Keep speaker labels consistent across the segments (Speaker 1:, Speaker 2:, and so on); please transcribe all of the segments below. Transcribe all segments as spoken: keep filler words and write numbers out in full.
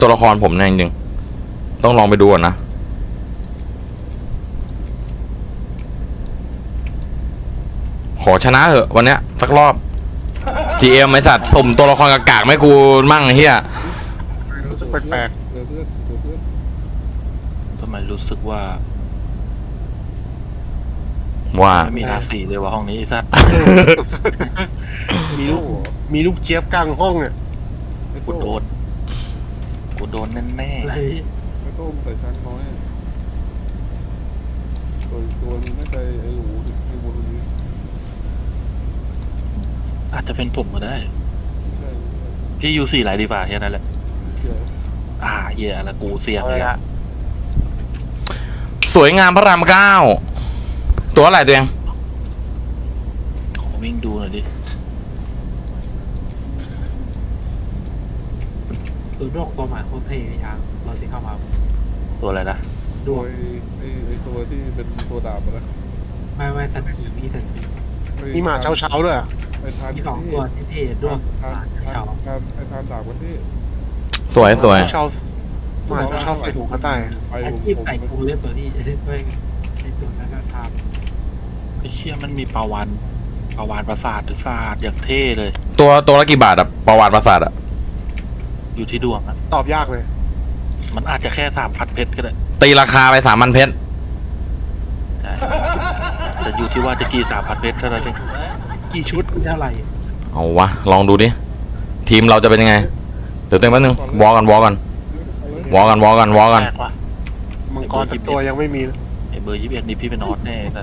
Speaker 1: ตัวละครผมเนี่ยจริงๆต้องลองไปดูก่อนนะขอชนะเหอะวันเนี้ยสักรอบ จี เอ็ม ไอสัตว์สุ่มตัวละครกากๆไม่กูมั่งเฮีย
Speaker 2: รู้สึกแปลก
Speaker 3: เดี๋ยวเพื่อนเดี๋ยวเพื่อน
Speaker 4: ทำไมรู้สึกว่า
Speaker 1: ว่า
Speaker 4: ไม่มีราศีเลยว่าห้องนี้ไอ้สัตว์
Speaker 2: ๆมีลูกมีลูกเจี๊ยบกลางห้องเนี่ย
Speaker 3: ไอ้
Speaker 4: กู
Speaker 3: โต้
Speaker 4: โดนกูโดนแน่
Speaker 5: อะไร
Speaker 3: ไอ้โต้มใส่ช้างน้อยตัวตัวนี้น่าจะไอ้หนูไอ้บนนี้
Speaker 4: ๆอาจจะเป็นผมก็ได้
Speaker 3: ไม่ใช่
Speaker 4: พี่ยูสี่ไหลดีกว่าแค่นั้นแหละ
Speaker 3: ไม่ใช่
Speaker 4: อ่าเหี้ยแล้วกูเสี่ยง
Speaker 2: เอา
Speaker 4: เลย
Speaker 2: ละ
Speaker 4: อะ
Speaker 1: สวยงามพระรามเก้าตัวอะไรตัวเอง
Speaker 4: ขอวิ่งดูหน่อยดิ
Speaker 5: ตัวดอกตัวหมายโคตรเท่พี่ช้างเราที่เข้ามา
Speaker 4: ตัวอะไรนะ
Speaker 5: ด
Speaker 3: ตัว
Speaker 5: วก
Speaker 3: ไอ้ไอ้ตัวที่เป็นตัวดาบนะ
Speaker 5: ไม่ไม่สันกีมีสันกี
Speaker 2: มีหมาเช้าเช้าๆด้วยอะ
Speaker 3: ไอ้ทาน
Speaker 5: มีสองตัวที่เท่ดวก
Speaker 3: ทานทา
Speaker 5: เฉาน
Speaker 3: ทานไอ้ทานดาบกันที่
Speaker 1: สวยสวย
Speaker 2: เช้าๆหมาเช้าเช้าๆใส่ถุงกระต่าย
Speaker 3: ไป
Speaker 5: ไอ้
Speaker 3: ผม
Speaker 5: ที่
Speaker 3: ผม
Speaker 5: ใส่กูเล่นตัวนี้ด้วยไอ้ตัวนั้นก็ท
Speaker 4: ไอ้เชี่ยมันมีปลาวานปลาวานประสาทหรือศาสตร์อย่างเท่เลย
Speaker 1: ตัวตัวละกี่บาทอะประวัติประสาทอะ
Speaker 4: อยู่ที่ดวงอะ
Speaker 2: ตอบยากเลย
Speaker 4: มันอาจจะแค่สามพันเพชรก็ได้
Speaker 1: ตีราคาไปสามพันเพชร
Speaker 4: ใช่แต่อยู่ที่ว่าจะกี่สามพันเพชรเท่านั้นเอง
Speaker 2: กี่ชุด
Speaker 5: ำเท่าไหร่
Speaker 1: เอาวะลองดูดิทีมเราจะเป็นยังไงเดี๋ยวเต็มแป๊บนึงวอกันวอกันวอกันวอกันวอกัน
Speaker 4: แปลกว่ะ
Speaker 2: มังกรสักตัวยังไม่มี
Speaker 4: ไอ้เบอร์ยี่สิบเอ็ดนี่พี่เป็นนอตแน่แต่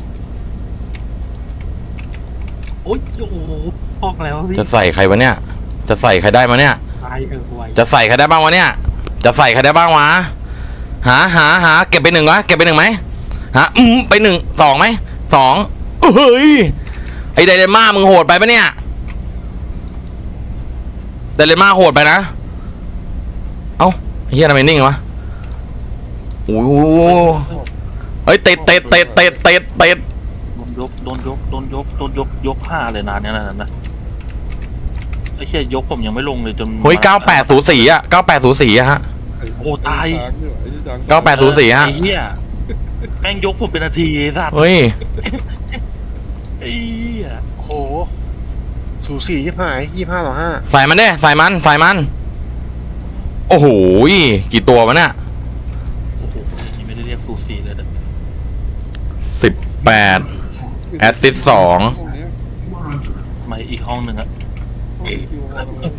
Speaker 5: โอ๊ยโอ้โหพอกแล้วพี่
Speaker 1: จะใส่ใครวะเนี่ยจะใส่ใครได้มาเนี่ย
Speaker 5: ตายเออไว
Speaker 1: จะใส่ใครได้บ้างวะเนี่ยจะใส่ใครได้บ้างวะหาหาหาเก็บไปหนึ่งวะเก็บไปหนึ่งไหมหาอืมไปหนึ่งสองไหมสองเฮ้ยไอไดเรม่ามึงโหดไปปะเนี่ยไดเรม่าโหดไปนะเอ้าเฮียทำไมนิ่งวะโอ้โหเฮ้ยเตะเตะเตะเตะเตะเตะ
Speaker 4: โดนยกโดนยกโดนยกโดนยกยกห้าเลยนานเนี่ยนะนะไอ้เชี่ยยกผมยังไม่ลงเลยจน
Speaker 1: เฮ้ยเก้าแปดศูนย์สี่อะเก้าแปดศูนย์สี่อะฮะ
Speaker 4: โอ้ตาย
Speaker 3: ช้างอยู่ไอ้ที่ช้าง
Speaker 1: เก้าแปดศูนย์สี่ฮะ
Speaker 4: ไอ้เหี้ยแม่งยกผมเป็นนาทีไอ้สัตว์
Speaker 1: เฮ้ย
Speaker 4: ไอ้เหี้ย
Speaker 2: โอ้โหสูสียี่ห้ายี่ห้าต่อห้า
Speaker 1: ใส่มันดิใส่มันใส่มันโอ้โหกี่ตัววะเนี่ย
Speaker 4: โอ้โหนี่ไม่ได้เรียกซูซีเลยนะ
Speaker 1: สิบแปด แอสซิสต์สอง
Speaker 3: ห้องเนี้ย
Speaker 4: มาอีกห้องหนึ่งอะ
Speaker 3: ห้องคิวห้องเลย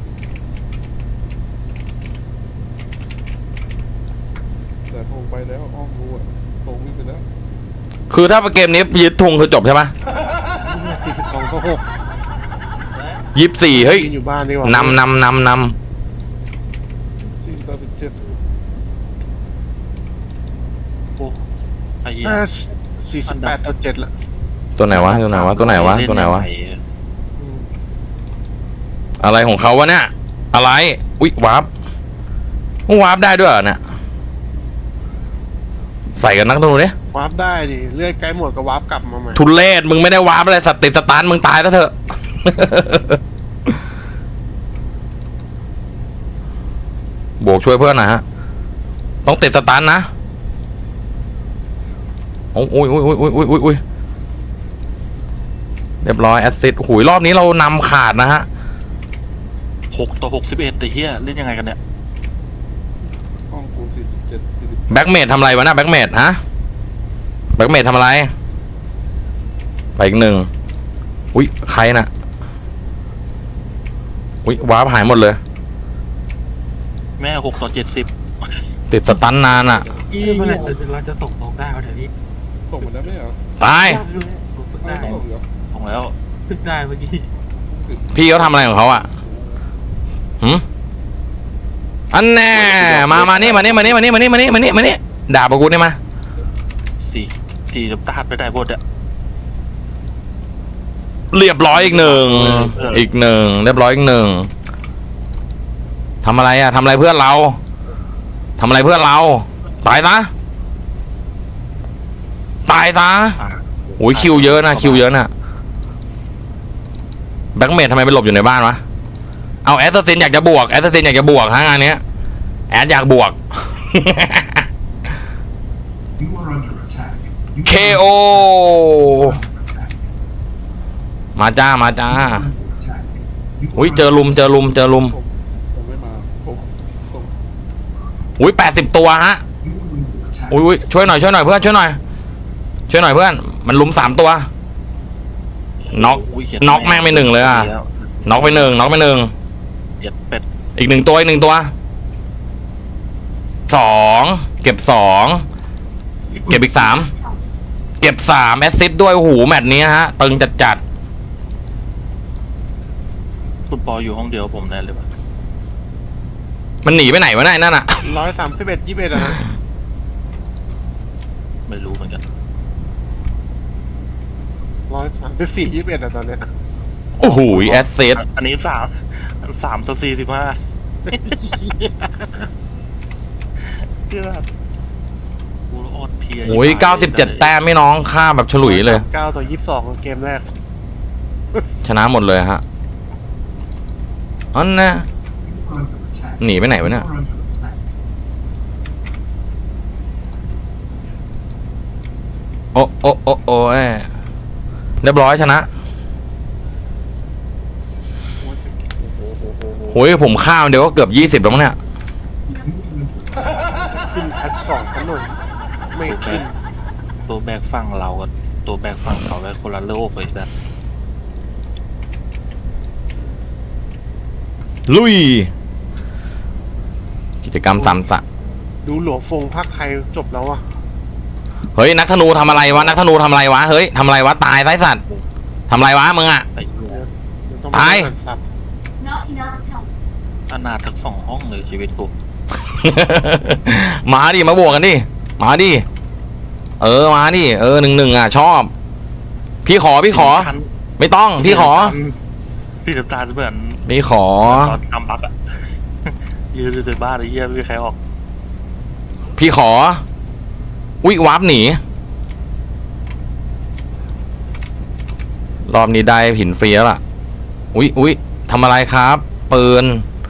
Speaker 3: แต่ทงไปแล้วห้องรู้อะทงวิ่งไปแล้ว
Speaker 1: คือถ้าเกมนี้ยึดทุงคือจบใช่ไหม
Speaker 2: สี่สิบสองต่อหก
Speaker 1: ยี่สิบสี่เฮ้ย
Speaker 2: ยืนอยู่บ้านดีกว่าน
Speaker 1: ำนำนำน
Speaker 3: สี่ต่อสิบเจ็ด
Speaker 4: โอ้ไอ้เหี้ย
Speaker 2: ห้าสี่สิบแปดต่อเจ็ดละ
Speaker 1: ำตัวไหนวะตัวไหนวะตัวไหนวะตัวไหนวะ
Speaker 4: เล่ยังง
Speaker 2: อืม
Speaker 1: อะไรของเขาวะเนี่ยอะไรอุ๊ยวาร์ปวาร์ปได้ด้วยเหรอเนี่ยใส่กันนักตรงนู้นดิ
Speaker 2: วาร์ปได้ดิเลื่อยใกล้หมดก็วาร์ปกลับมาใหม่
Speaker 1: ทุเรศมึงไม่ได้วาร์ปอะไรสัตว์ติดสตาร์ทมึงตายซะเถอะ บวกช่วยเพื่อนหน่อยฮะต้องติดสตาร์ทนะโอ้ยโอ้ยโอ้ยโอ้ยโอ้ยโอ้ยโอ้ยเรียบร้อยแอสซิดหุยรอบนี้เรานำขาดนะฮะ
Speaker 4: หกต่อหกสิบเอ็ดแต่เหี้ยเล่นยังไงกันเนี่ย
Speaker 3: ห้องกูสี่สิบเจ็ดสี่สิบ
Speaker 1: แบ็กเมดทำอะไรวะนะแบ็กเมดฮะแบ็กเมดทำอะไรไปอีกหนึ่งอุ้ยใครนะอุ้ยวาร์ปหายหมดเลย
Speaker 4: แม่หกต่อเจ็ดสิบ
Speaker 1: ติดสตันนานอ่ะ
Speaker 5: พี่เมื่อไหร่เราจะส่งตรงได้เอาเดี๋ยวนี้
Speaker 3: ส่งมาแล้วไม่เหรอ
Speaker 1: ตาย
Speaker 5: ผมฝึก
Speaker 3: ไม่
Speaker 5: ได้
Speaker 3: ส่งเหรอ
Speaker 4: ลงแล้ว
Speaker 5: ฝึกได้เมื่อกี้
Speaker 1: พี่เขาทำอะไรของเขาอ่ะหืมอันแน่มามานี่มานี่มานี่มานี่มานี่มานี่มานี่มานี่ด่าปะกูนี่มา
Speaker 4: สี่สี่น้ำตาลไปได้หมดอะ
Speaker 1: เรียบร้อยอีกหนึ่งอีกหนึ่งเรียบร้อยอีกหนึ่งทำอะไรอ่ะทำอะไรเพื่อนเราทำอะไรเพื่อนเราตายซะตายซะ
Speaker 4: อ่ะ
Speaker 1: โอ้ยคิวเยอะนะคิวเยอะนะแบ็กเมดทำไมไปหลบอยู่ในบ้านวะเอาแอสซัสซินอยากจะบวกแอสซัสซินอยากจะบวกฮะงานเนี้ยแอดอยากบวก เค โอ มาจ้ามาจ้าอุ้ยเจอลุมเจอลุมเจอลุม
Speaker 3: ผมผมไม่มาผมผม
Speaker 1: อุ้ยแปดสิบตัวฮะอุ้ยอุ้ยช่วยหน่อยช่วยหน่อยเพื่อนช่วยหน่อยช่วยหน่อยเพื่อนมันลุมสามตัวน็อก
Speaker 4: อุ้ยเหี้ย
Speaker 1: น็อกแม่งไปหนึ่งเลยอะ
Speaker 4: แล้ว
Speaker 1: น็อกไปหนึ่งน็อกไปหนึ่ง
Speaker 4: เหี้ยเป็ด
Speaker 1: อีกหนึ่งตัวอีกหนึ่งตัวสองเก็บสองเก็บอีกสามเก็บสามแอสซิสต์ด้วยโอ้โหแมตช์นี้ฮะตึงจัดจัด
Speaker 4: คุณปออยู่ห้องเดียวผมแน่เลยปะ
Speaker 1: ๆมันหนีไปไหนวะเนี่ยไอ้นั่นอะ
Speaker 2: ร้อยสามสิบเอ็ดยี่สิบเอ็ดอะนะ
Speaker 4: ไม่รู้เหมือนกัน
Speaker 2: ร้อยสามสิบสี่ยี่สิบเอ็ดอะตอนเนี้ย
Speaker 1: โอ้โหแอสซิสต์
Speaker 4: อันนี้สามสามต่อสี่สิบห้าเชื่อกูอดเพลีย
Speaker 1: โอ้ยเก้าสิบเจ็ดแต้มไม่น้องฆ่าแบบฉลุยเลย
Speaker 2: เก้าต่อยี่สิบสองของเกมแรก
Speaker 1: ชนะหมดเลยฮะอันน่ะหนีไปไหนวะเนี่ยโอ้โอ้โอ้โอ้ยเรียบร้อยชนะโอ้ยผมข้ามเดี๋ยวก็เกือบยี่สิบแล้วมั้งเนี่ย
Speaker 2: ขึ้นแพทสองกันหน่อยไม่ขึ้น
Speaker 4: ตัวแบกฝั่งเรากับตัวแบกฝั่งเขาแบกคนละโลกเลยแต่
Speaker 1: ลุย กิจกรรมสามสะ
Speaker 2: ดูหลวงฟงภาคไทยจบแล้วอะ
Speaker 1: เฮ้ยนักธนูทำอะไรวะนักธนูทำอะไรวะเฮ้ยทำอะไรวะตายไร้สัตว์ทำอะไรวะมึงอะ
Speaker 4: ไอ้เหี้ย
Speaker 2: เดี๋วต้อง
Speaker 1: ตาย
Speaker 2: อ่านซับ
Speaker 4: อนาถทั้งสองห้องเลยชีวิตกู
Speaker 1: มาดิมาบวกกันดิมาดิเออมาดิเออหนึ่งหนึ่งอ่ะชอบ พี่ขอพี่ขอ ไม่ต้องพี่ขอ
Speaker 4: พี่น้ำตาลเหมือน
Speaker 1: พี่ขอ
Speaker 4: ตอนทำบักอะ ยืนอยู่ในบ้านไอ้เหี้ยไม่มีใครออก
Speaker 1: พี่ขออุ๊ยวาร์ปหนีรอบนี้ได้หินฟรีแล้วล่ะอุ๊ยอุ๊ยทำอะไรครับปืน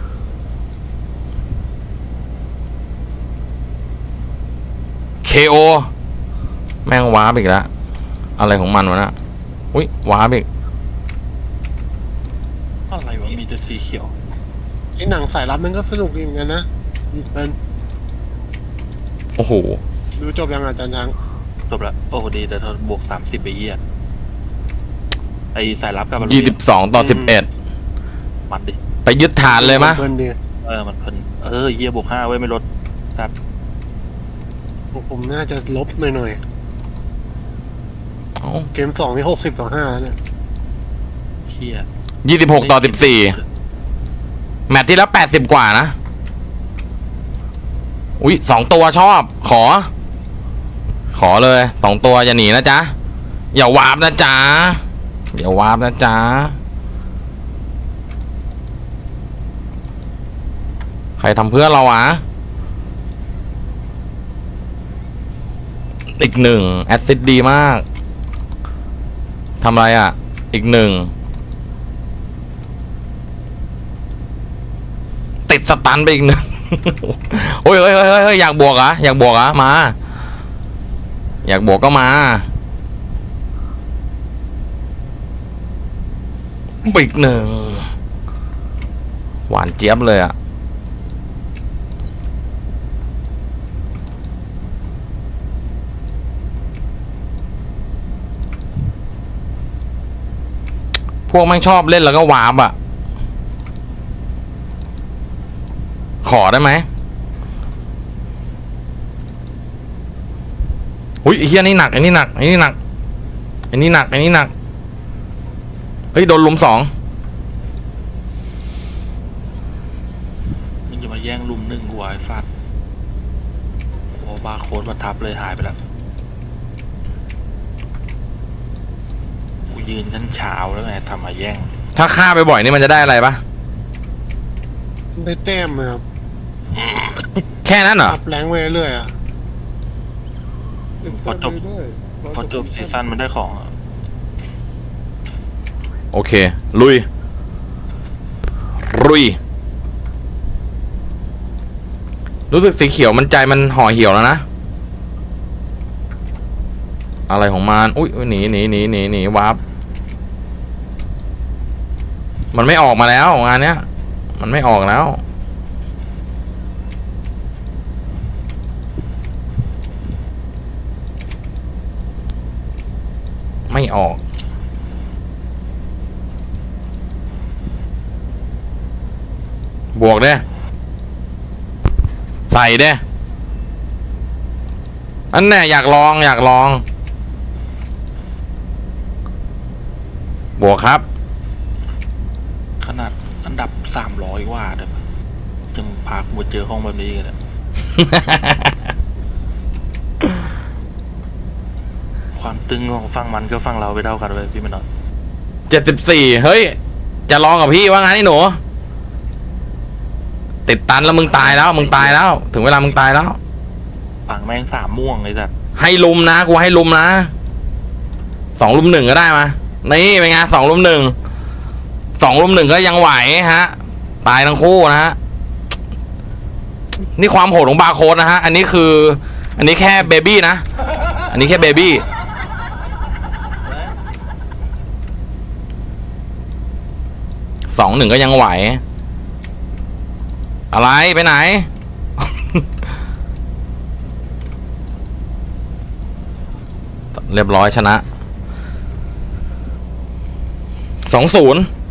Speaker 1: เคโอแม่งวาร์ปอีกแล้วอะไรของมันวะนะอุ๊ยวาร์ปอีก
Speaker 4: อะไรวะมีแต่สีเขียว
Speaker 2: ไอ้หนังสายลับมันก็สนุกดีเหมือนกันนะเป็น
Speaker 1: โอ้โห
Speaker 2: ดูจบยังอาจารย์ช้าง
Speaker 4: จบละโอ้ดีแต่ทอนบวกสามสิบไปเหี้ยไอสายลับกับ
Speaker 1: ยี่สิบสองต่อสิบเอ็ด
Speaker 4: มันดิ
Speaker 1: ไปยึดฐานเลยมะ
Speaker 2: เพลินดี
Speaker 4: เออมันเพิ่นเออเหี้ยบวกห้าไว้ยไม่ลดครับ
Speaker 2: ผมน่าจะลบหน่อย
Speaker 1: เอ้า
Speaker 2: ๆเกมสองนี่หกสิบต่อห้าแล้วเนี่ย
Speaker 4: เหี้ย
Speaker 1: ยี่สิบหกต่อสิบสี่แมตช์ที่แล้วแปดสิบกว่านะ อุ๊ยสองตัวชอบ ขอ ขอเลยสองตัวอย่าหนีนะจ๊ะ อย่าวาร์ปนะจ๊ะ อย่าวาร์ปนะจ๊ะ ใครทำเพื่อนเราวะ อีกหนึ่งแอดซิดดีมากทำอะไรอ่ะ อีกหนึ่งติดสตันไปอีกหนึ่ง โอ้ยเฮ้ยเฮ้ยเฮ้ยอยากบวกเหรอ่ะอยากบวกเหรอ่ะมา อยากบวกก็มาอีกหนึ่งหวานเจี๊ยบเลยอ่ะพวกแม่งชอบเล่นแล้วก็วาร์ปอ่ะ ขอได้ไหมอุ้ยไอ้เฮียนี่หนักไอ้นี่หนักไอ้นี่หนักไอ้นี่หนักไอ้นี่หนักเฮ้ยโดนลุมสอง
Speaker 4: มึงจะมาแย่งลุมหนึ่งกูไอ้ฟัดโอ้บาร์โค้ดมาทับเลยหายไปแล้วกูยืนชั้นเช้าแล้วไงทำมาแย่ง
Speaker 1: ถ้าฆ่าไปบ่อยนี่มันจะได้อะไรปะ
Speaker 2: ได้แต้มเลยครับ
Speaker 1: แค่นั้นเหรอ
Speaker 2: อัพแรงไปเรื่อยๆอะ
Speaker 3: เล่น
Speaker 4: พอจบ
Speaker 3: เรื่อยๆ
Speaker 4: พอจบซีซั่นมันได้ของอะ
Speaker 1: โอเค ลุย ลุยรู้สึกสีเขียวมันใจมันห่อเหี่ยวแล้วนะ อะไรของมันอุ้ยอุ๊ยหนีหนีหนีหนีหนีวาร์ปมันไม่ออกมาแล้วงานเนี้ย มันไม่ออกแล้ว ไม่ออก บวกเด้ใส่เด้อันแน่อยากลองอยากลอง บวกครับ
Speaker 4: ขนาดอันดับสามร้อยกว่าเด้อจึงพากูมาเจอห้องแบบนี้กันเนี่ย ความตึงของฝั่งมันก็ฝั่งเราไปเท่ากันเลยพี่มันเนาะ
Speaker 1: เจ็ดสิบสี่เฮ้ย จะลองกับพี่ว่างั้นไอ้หนู ติดตันแล้วมึงตายแล้ว มึงตายแล้ว ถึงเวลามึงตายแล้ว
Speaker 4: ฝั่งแม่งสามม่วงเลยสัตว์
Speaker 1: ให้ลุมนะกูให้ลุมนะสองลุมหนึ่งก็ได้มานี่เป็นไงสองลุมหนึ่งสองลุมหนึ่งก็ยังไหวฮะ ตายทั้งคู่นะฮะ นี่ความโหดของบาร์โค้ดนะฮะ อันนี้คือ อันนี้แค่เบบี้นะ อันนี้แค่เบบี้สองหนึ่งก็ยังไหว อะไรไปไหน เรียบร้อยชนะ สองศูนย์